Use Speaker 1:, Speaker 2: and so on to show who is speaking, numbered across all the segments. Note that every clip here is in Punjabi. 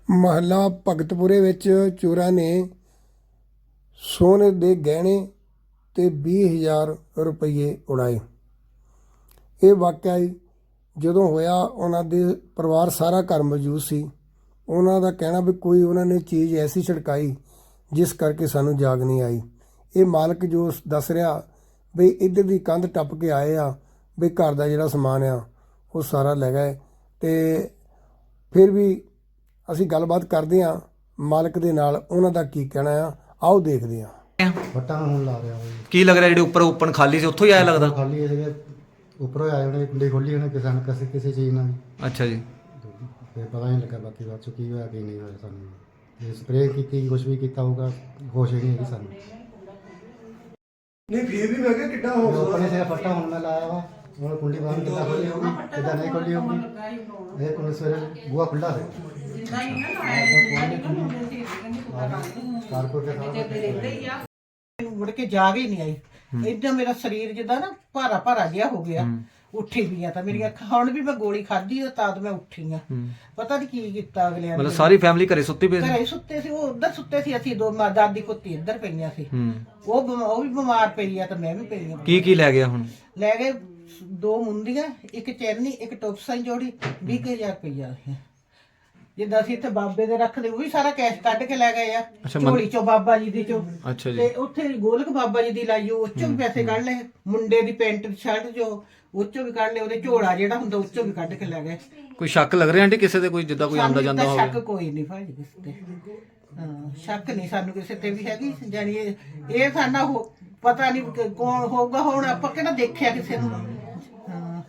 Speaker 1: ਮਹੱਲਾ ਭਗਤਪੁਰੇ ਵਿੱਚ ਚੋਰਾਂ ਨੇ ਸੋਨੇ ਦੇ ਗਹਿਣੇ ਤੇ 20,000 ਰੁਪਏ ਉਡਾਏ। ਇਹ ਵਾਕਿਆ ਜਦੋਂ ਹੋਇਆ ਉਹਨਾਂ ਦੇ ਪਰਿਵਾਰ ਸਾਰਾ ਘਰ ਮੌਜੂਦ ਸੀ। ਉਹਨਾਂ ਦਾ ਕਹਿਣਾ ਵੀ ਕੋਈ ਉਹਨਾਂ ਨੇ ਚੀਜ਼ ਐਸੀ ਛਿੜਕਾਈ ਜਿਸ ਕਰਕੇ ਸਾਨੂੰ ਜਾਗ ਨਹੀਂ ਆਈ। ਇਹ ਮਾਲਕ ਜੋ ਦੱਸ ਰਿਹਾ ਵੀ ਇੱਧਰ ਦੀ ਕੰਧ ਟੱਪ ਕੇ ਆਏ ਆ, ਵੀ ਘਰ ਦਾ ਜਿਹੜਾ ਸਮਾਨ ਆ ਉਹ ਸਾਰਾ ਲੈ ਗਏ। ਤੇ ਫਿਰ ਵੀ ਅਸੀਂ ਗੱਲਬਾਤ ਕਰਦੇ ਹਾਂ ਮਾਲਕ ਦੇ ਨਾਲ, ਉਹਨਾਂ ਦਾ ਕੀ ਕਹਿਣਾ ਆ, ਆਓ ਦੇਖਦੇ ਹਾਂ।
Speaker 2: ਵੱਟਾਂ ਹੁਣ ਲਾ ਰਿਹਾ ਬਈ।
Speaker 3: ਕੀ ਲੱਗ ਰਿਹਾ ਜਿਹੜੇ ਉੱਪਰ ਓਪਨ ਖਾਲੀ ਸੀ ਉੱਥੋਂ ਹੀ ਆਇਆ ਲੱਗਦਾ?
Speaker 2: ਖਾਲੀ ਸੀਗੇ, ਉੱਪਰੋਂ ਆਏ ਉਹਨੇ ਕੁੰਡੀ ਖੋਲੀ ਉਹਨੇ ਕਿਸੇ ਚੀਜ਼ ਨਾਲ।
Speaker 3: ਅੱਛਾ ਜੀ।
Speaker 2: ਤੇ ਪਤਾ ਨਹੀਂ ਲੱਗਾ ਬਾਕੀ ਬਾਅਦ ਚੋਂ ਕੀ ਹੋਇਆ ਕੀ ਨਹੀਂ ਹੋਇਆ ਸਾਨੂੰ। ਜੇ ਸਪਰੇਅ ਕੀਤੀ ਕੁਝ ਵੀ ਕੀਤਾ ਹੋਊਗਾ, ਹੋਸ਼ ਹੀ ਨਹੀਂ ਹੈਗੀ ਸਾਨੂੰ।
Speaker 1: ਨਹੀਂ ਫਿਰ ਵੀ ਮੈਂ ਕਿਹਾ ਕਿੱਡਾ
Speaker 2: ਉੱਪਰ ਸੇ ਫੱਟਾ ਹੁਣ ਮੈਂ ਲਾਇਆ ਵਾ, ਹੁਣ ਕੁੰਡੀ ਬੰਦ ਕਿੱਦਾਂ ਖੋਲੀ ਹੋਊਗੀ ਕਿੱਦਾਂ ਨਹੀਂ ਖੋਲੀ ਹੋਊਗੀ। ਇਹ ਕੁੰਡੀ ਸਵੇਰੇ ਬੂਹਾ ਖੁੱਲ੍ਹਾ ਸੀ। ਕਾਰਪੋਰ ਕੇ ਸਾਰਾ
Speaker 4: ਮੁੜ ਕੇ ਜਾਗ ਹੀ ਨਹੀਂ ਆਈ। ਏਦਾਂ ਮੇਰਾ ਸਰੀਰ ਜਿੱਦਾਂ ਨਾ ਭਾਰਾ ਭਾਰਾ ਜਿਹਾ ਹੋ ਗਿਆ। ਉੱਠੀ ਵੀ ਆ ਤਾਂ ਮੇਰੀ ਅੱਖ ਹੁਣ ਵੀ ਮੈਂ ਗੋਲੀ ਖਾਧੀ ਤਾਂ ਮੈਂ ਉੱਠੀ ਆ। ਪਤਾ ਨਹੀਂ ਕੀ ਕੀਤਾ ਅਗਲਿਆਂ ਨੇ।
Speaker 3: ਮਤਲਬ ਸਾਰੀ ਫੈਮਿਲੀ ਘਰੇ ਸੁੱਤੀ ਪਈ ਸੀ?
Speaker 4: ਘਰੇ ਸੁੱਤੇ ਸੀ, ਉਹ ਉੱਧਰ ਸੁੱਤੇ ਸੀ, ਅਸੀਂ ਦੋ ਦਾਦੀ ਪੁੱਤੀ ਇੱਧਰ ਪਈਆਂ ਸੀ। ਉਹ ਵੀ ਬਿਮਾਰ ਪਈ ਆ ਤਾਂ ਮੈਂ ਵੀ ਪਈ ਆ।
Speaker 3: ਕੀ ਲੈ ਗਿਆ ਹੁਣ?
Speaker 4: ਲੈ ਗਏ 2 ਮੁੰਦੀਆਂ, ਇੱਕ ਚੈਨੀ, ਇੱਕ ਟੋਪਸਾਂ ਜੋੜੀ, 20,000 ਰੁਪਈਆ। ਜਿੱਦਾਂ ਅਸੀਂ ਇੱਥੇ ਬਾਬੇ ਦੇ ਰੱਖਦੇ ਉਹ ਵੀ ਸਾਰਾ ਕੈਸ਼ ਕੱਢ ਕੇ ਲੈ ਗਏ ਆ ਝੋਲੀ ਚੋਂ, ਬਾਬਾ ਜੀ ਦੀ ਚੋਂ।
Speaker 3: ਅੱਛਾ ਜੀ।
Speaker 4: ਤੇ ਉੱਥੇ ਗੋਲਕ ਬਾਬਾ ਜੀ ਦੀ ਲਾਈ ਉਹ ਚੋਂ ਵੀ ਪੈਸੇ ਕੱਢ ਲਏ। ਮੁੰਡੇ ਦੀ ਪੈਂਟ ਸ਼ਰਟ ਜੋ ਉਹ ਚੋਂ ਵੀ ਕੱਢ ਲਏ। ਉਹਦੇ ਝੋਲਾ ਜਿਹੜਾ ਹੁੰਦਾ ਉਹ ਚੋਂ ਵੀ ਕੱਢ ਕੇ ਲੈ ਗਏ।
Speaker 3: ਕੋਈ ਸ਼ੱਕ ਲੱਗ ਰਿਹਾ ਆਂਟੀ ਕਿਸੇ ਤੇ, ਕੋਈ ਜਿੱਦਾਂ ਕੋਈ ਆਂਦਾ ਜਾਂਦਾ
Speaker 4: ਸਾਨੂੰ
Speaker 3: ਹੋਵੇ?
Speaker 4: ਸ਼ੱਕ ਕੋਈ ਨਹੀਂ ਭਾਜੀ ਕਿਸੇ ਤੇ। ਹਾਂ, ਸ਼ੱਕ ਨਹੀਂ ਸਾਨੂੰ ਕਿਸੇ ਤੇ ਵੀ ਹੈਗੀ। ਜਾਨੀ ਇਹ ਸਾਡਾ ਪਤਾ ਨਹੀਂ ਕੌਣ ਹੋਊਗਾ। ਹੁਣ ਆਪਾਂ ਕਿਹੜਾ ਦੇਖਿਆ ਕਿਸੇ ਨੂੰ। ਹਾਂ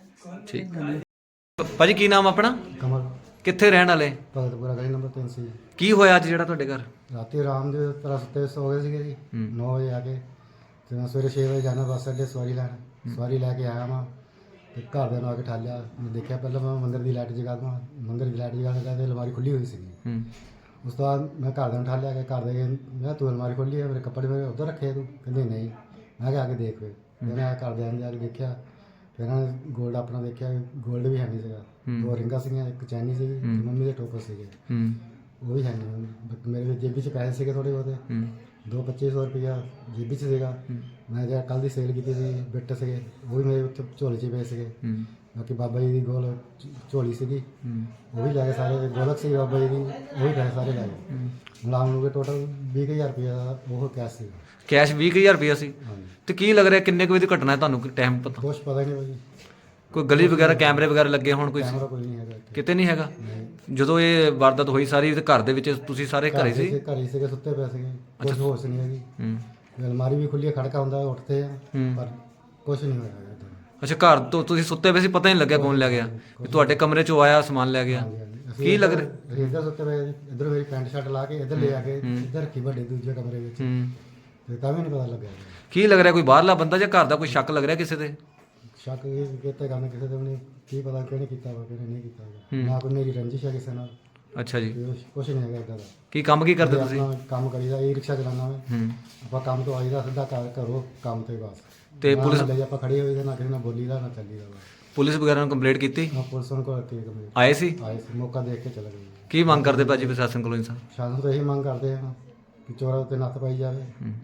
Speaker 3: ਠੀਕ। ਭਾਜੀ ਕੀ ਨਾਮ ਆਪਣਾ?
Speaker 2: ਕਮਲ
Speaker 3: ਕਿੱਥੇ ਰਹਿਣ ਵਾਲੇ?
Speaker 2: ਭਗਤਪੁਰਾ ਗਲੀ ਨੰਬਰ 3 ਸੀ।
Speaker 3: ਕੀ ਹੋਇਆ ਅੱਜ ਜਿਹੜਾ ਤੁਹਾਡੇ ਘਰ?
Speaker 2: ਰਾਤੀ ਆਰਾਮ ਦੇ ਤਰ੍ਹਾਂ ਸੁੱਤੇ ਸੋ ਗਏ ਸੀਗੇ ਜੀ। 9 ਵਜੇ ਆ ਕੇ ਤੇ ਮੈਂ ਸਵੇਰੇ 6 ਵਜੇ ਜਾਣਾ ਬੱਸ ਅੱਡੇ ਸਵਾਰੀ ਲੈਣ। ਸਵਾਰੀ ਲੈ ਕੇ ਆਇਆ ਮੈਂ ਤੇ ਘਰਦਿਆਂ ਨੂੰ ਆ ਕੇ ਠਾਲਿਆ। ਮੈਂ ਦੇਖਿਆ ਪਹਿਲਾਂ ਮੈਂ ਮੰਦਿਰ ਦੀ ਲਾਈਟ ਜਗਾ ਦਵਾਂ। ਮੰਦਿਰ ਦੀ ਲਾਈਟ ਜਗਾ ਕੇ ਤੇ ਅਲਮਾਰੀ ਖੁੱਲੀ ਹੋਈ ਸੀਗੀ। ਉਸ ਤੋਂ ਬਾਅਦ ਮੈਂ ਘਰਦਿਆਂ ਨੂੰ ਠਾਲਿਆ ਕਿ ਘਰ ਦੇ ਮੈਂ ਤੂੰ ਅਲਮਾਰੀ ਖੋਲੀ ਹੈ, ਮੇਰੇ ਕੱਪੜੇ ਮੇਰੇ ਉੱਧਰ ਰੱਖੇ ਤੂੰ? ਕਹਿੰਦੇ ਨਹੀਂ। ਮੈਂ ਕਿਹਾ ਆ ਕੇ ਦੇਖ ਫਿਰ ਮੈਂ ਘਰਦਿਆਂ ਨੇ ਜਾ ਕੇ ਦੇਖਿਆ। ਫਿਰ ਇਹਨਾਂ ਨੇ ਗੋਲਡ ਆਪਣਾ ਦੇਖਿਆ, ਗੋਲਡ ਵੀ ਹੈ ਨਹੀਂ ਸੀਗਾ। 2 ਰਿੰਗਾਂ ਸੀਗੀਆਂ, ਇੱਕ ਚੈਨੀ ਸੀਗੀ, ਮੰਮੀ ਦੇ ਟੋਪਸ ਸੀਗੇ, ਉਹ ਵੀ ਹੈ ਨਹੀਂ। ਮੇਰੇ ਜੇਬੀ 'ਚ ਪੈਸੇ ਸੀਗੇ ਥੋੜ੍ਹੇ ਬਹੁਤੇ, 2-2500 ਰੁਪਇਆ ਜੇਬੀ 'ਚ ਸੀਗਾ। ਮੈਂ ਜਿਹੜਾ ਕੱਲ੍ਹ ਦੀ ਸੇਲ ਕੀਤੀ ਸੀ ਬਿੱਟ ਸੀਗੇ, ਉਹ ਵੀ ਮੇਰੇ ਉੱਥੇ ਝੋਲੇ 'ਚ ਪਏ ਸੀਗੇ। ਬਾਕੀ ਬਾਬਾ ਜੀ ਦੀ ਗੋਲ ਝੋਲੀ ਸੀਗੀ, ਉਹ ਵੀ ਲੈ ਗਏ ਸਾਰੇ। ਗੋਲਕ ਸੀ ਬਾਬਾ ਜੀ ਦੀ, ਉਹ ਵੀ ਪੈਸੇ ਸਾਰੇ ਲੈ ਗਏ। ਮੁਲਾਮ ਨੂੰ ਟੋਟਲ 20,000 ਰੁਪਇਆ ਦਾ ਉਹ ਕੈਸ਼ ਸੀਗਾ।
Speaker 3: ਕੈਸ਼ 20,000 ਰੁਪਇਆ ਸੀ?
Speaker 2: ਹਾਂਜੀ।
Speaker 3: ਤੇ ਕੀ ਲੱਗ ਰਿਹਾ ਕਿੰਨੇ ਕੁ ਵਜੇ ਦੀ ਘਟਨਾ ਹੈ, ਤੁਹਾਨੂੰ ਟਾਈਮ ਪਤਾ?
Speaker 2: ਕੁਛ ਪਤਾ ਨਹੀਂ ਭਾਜੀ।
Speaker 3: ਕੋਈ ਗਲੀ ਵਗੈਰਾ ਕੈਮਰੇ ਵਗੈਰਾ ਲੱਗੇ ਹੋਣ? ਕੋਈ
Speaker 2: ਕੈਮਰਾ ਕੋਈ ਨਹੀਂ ਹੈਗਾ ਇੱਥੇ।
Speaker 3: ਕਿਤੇ ਨਹੀਂ ਹੈਗਾ? ਜਦੋਂ ਇਹ ਵਾਰਦਾਤ ਹੋਈ ਸਾਰੀ ਤੇ ਘਰ ਦੇ ਵਿੱਚ ਤੁਸੀਂ ਸਾਰੇ ਘਰੇ ਸੀ?
Speaker 2: ਘਰ ਹੀ ਸੀਗੇ, ਸੁੱਤੇ ਪਏ ਸੀਗੇ, ਕੁਛ ਹੋਸ਼ ਨਹੀਂ ਹੈਗੀ। ਅਲਮਾਰੀ ਵੀ ਖੁੱਲੀ, ਖੜਕਾ ਹੁੰਦਾ ਉੱਠਦੇ ਆ ਪਰ ਕੁਛ ਨਹੀਂ ਹੋਇਆ ਇੱਦਾਂ।
Speaker 3: ਅੱਛਾ, ਘਰ ਤੋਂ ਤੁਸੀਂ ਸੁੱਤੇ ਪਏ ਸੀ, ਪਤਾ ਨਹੀਂ ਲੱਗਿਆ ਕੌਣ ਲੈ ਗਿਆ? ਵੀ ਤੁਹਾਡੇ ਕਮਰੇ 'ਚੋਂ ਆਇਆ ਸਮਾਨ ਲੈ ਗਿਆ? ਕੀ ਲੱਗ ਰਿਹਾ?
Speaker 2: ਅਸੀਂ ਇੱਧਰ ਸੁੱਤੇ ਪਏ, ਇੱਧਰ ਮੇਰੀ ਪੈਂਟ ਸ਼ਰਟ ਲਾ ਕੇ ਇੱਧਰ ਲੈ ਆ ਕੇ ਇੱਧਰ ਰੱਖੀ ਵੱਡੇ ਦੂਜੇ ਕਮਰੇ ਵਿੱਚ। ਤੇ ਤਾਂ ਵੀ ਨਹੀਂ ਪਤਾ ਲੱਗਿਆ।
Speaker 3: ਕੀ ਲੱਗ ਰਿਹਾ ਕੋਈ ਬਾਹਰਲਾ ਬੰਦਾ ਜਾਂ ਘਰ ਦਾ ਕੋਈ ਸ਼ੱਕ ਲੱਗ ਰਿਹਾ ਕਿਸੇ ਤੇ?
Speaker 2: ਸ਼ੱਕ ਇਹ ਕਿਤੇ ਕਰਨਾ ਕਿਸੇ ਤੇ ਵੀ ਨਹੀਂ, ਕੀ ਪਤਾ ਕਿਹਨੇ ਕੀਤਾ ਵਾ ਕਿਹਨੇ ਨਹੀਂ ਕੀਤਾ ਵਾ। ਨਾ ਕੋਈ ਮੇਰੀ ਰੰਜਿਸ਼ ਹੈ ਕਿਸੇ ਨਾਲ।
Speaker 3: ਅੱਛਾ ਜੀ।
Speaker 2: ਕੁਛ ਨਹੀਂ ਹੈਗਾ ਇੱਦਾਂ ਦਾ।
Speaker 3: ਕੀ ਕੰਮ ਕੀ ਕਰਦੇ ਤੁਸੀਂ?
Speaker 2: ਆਪਣਾ ਕੰਮ ਕਰੀਦਾ, ਇਹ ਰਿਕਸ਼ਾ ਚਲਾਉਣਾ ਮੈਂ। ਆਪਾਂ ਕੰਮ ਤੋਂ ਆਈਦਾ ਸਿੱਧਾ ਘਰੋਂ ਕੰਮ ਤੇ ਬਸ।
Speaker 3: ਤੇ ਪੁਲਿਸ
Speaker 2: ਆਪਾਂ ਖੜੇ ਹੋਏ ਤੇ ਨਾ ਕਿਸੇ ਨਾਲ ਬੋਲੀਦਾ ਨਾ ਚੱਲੀਦਾ ਵਾ।
Speaker 3: ਪੁਲਿਸ ਵਗੈਰਾ ਨੂੰ ਕੰਪਲੇਂਟ ਕੀਤੀ?
Speaker 2: ਨਾ ਪੁਲਿਸ ਨੂੰ ਕੋਈ ਕੀ ਕਮੇ
Speaker 3: ਆਏ ਸੀ?
Speaker 2: ਆਏ ਸੀ, ਮੌਕਾ ਦੇਖ ਕੇ ਚਲੇ ਗਏ।
Speaker 3: ਕੀ ਮੰਗ ਕਰਦੇ ਭਾਜੀ ਪ੍ਰਸ਼ਾਸਨ ਕੋਲੋਂ ਇਨਸਾਨ?
Speaker 2: ਸ਼ਾਸਨ ਤੋਂ ਇਹੀ ਮੰਗ ਕਰਦੇ ਹਾਂ ਕਿ ਚੋਰਾਂ ਉੱਤੇ ਨੱਥ ਪਾਈ ਜਾਵੇ,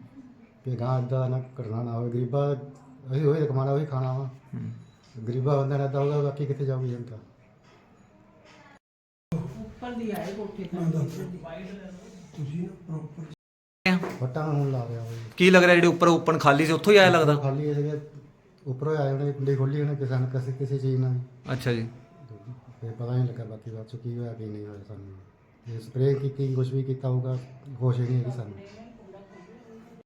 Speaker 2: ਕਿ ਗਾਂ ਇੱਦਾਂ ਨਾ ਘਟਨਾ ਨਾ ਹੋਵੇ। ਗਰੀਬਾਂ ਅਸੀਂ ਉਹੀ ਕਮਾਉਣਾ ਉਹੀ ਖਾਣਾ ਵਾ। ਗਰੀਬਾਂ ਬੰਦਿਆਂ ਨਾਲ ਇੱਦਾਂ ਹੋਊਗਾ, ਬਾਕੀ ਕਿੱਥੇ ਜਾਊਗੀ ਜਨਤਾ?
Speaker 4: ਉੱਪਰ ਦੀ ਆਏ ਕੋਠੇ ਤੇ।
Speaker 2: ਵੱਟਾਂ ਹੁਣ ਲਾ ਰਿਹਾ ਬਈ।
Speaker 3: ਕੀ ਲੱਗ ਰਿਹਾ ਜਿਹੜੇ ਉੱਪਰ ਓਪਨ ਖਾਲੀ ਸੀ ਉੱਥੋਂ ਹੀ ਆਇਆ ਲੱਗਦਾ?
Speaker 2: ਖਾਲੀ ਸੀਗੇ, ਉੱਪਰੋਂ ਆਏ ਉਹਨੇ ਕੁੰਡੀ ਖੋਲੀ ਉਹਨੇ ਕਿਸੇ ਚੀਜ਼ ਨਾਲ।
Speaker 3: ਅੱਛਾ ਜੀ।
Speaker 2: ਤੇ ਪਤਾ ਨਹੀਂ ਲੱਗਾ ਬਾਕੀ ਬਾਅਦ ਚੋਂ ਕੀ ਹੋਇਆ ਕੀ ਨਹੀਂ ਹੋਇਆ ਸਾਨੂੰ। ਜੇ ਸਪਰੇਅ ਕੀਤੀ ਕੁਝ ਵੀ ਕੀਤਾ ਹੋਊਗਾ, ਹੋਸ਼ ਹੀ ਨਹੀਂ ਹੈਗੀ ਸਾਨੂੰ।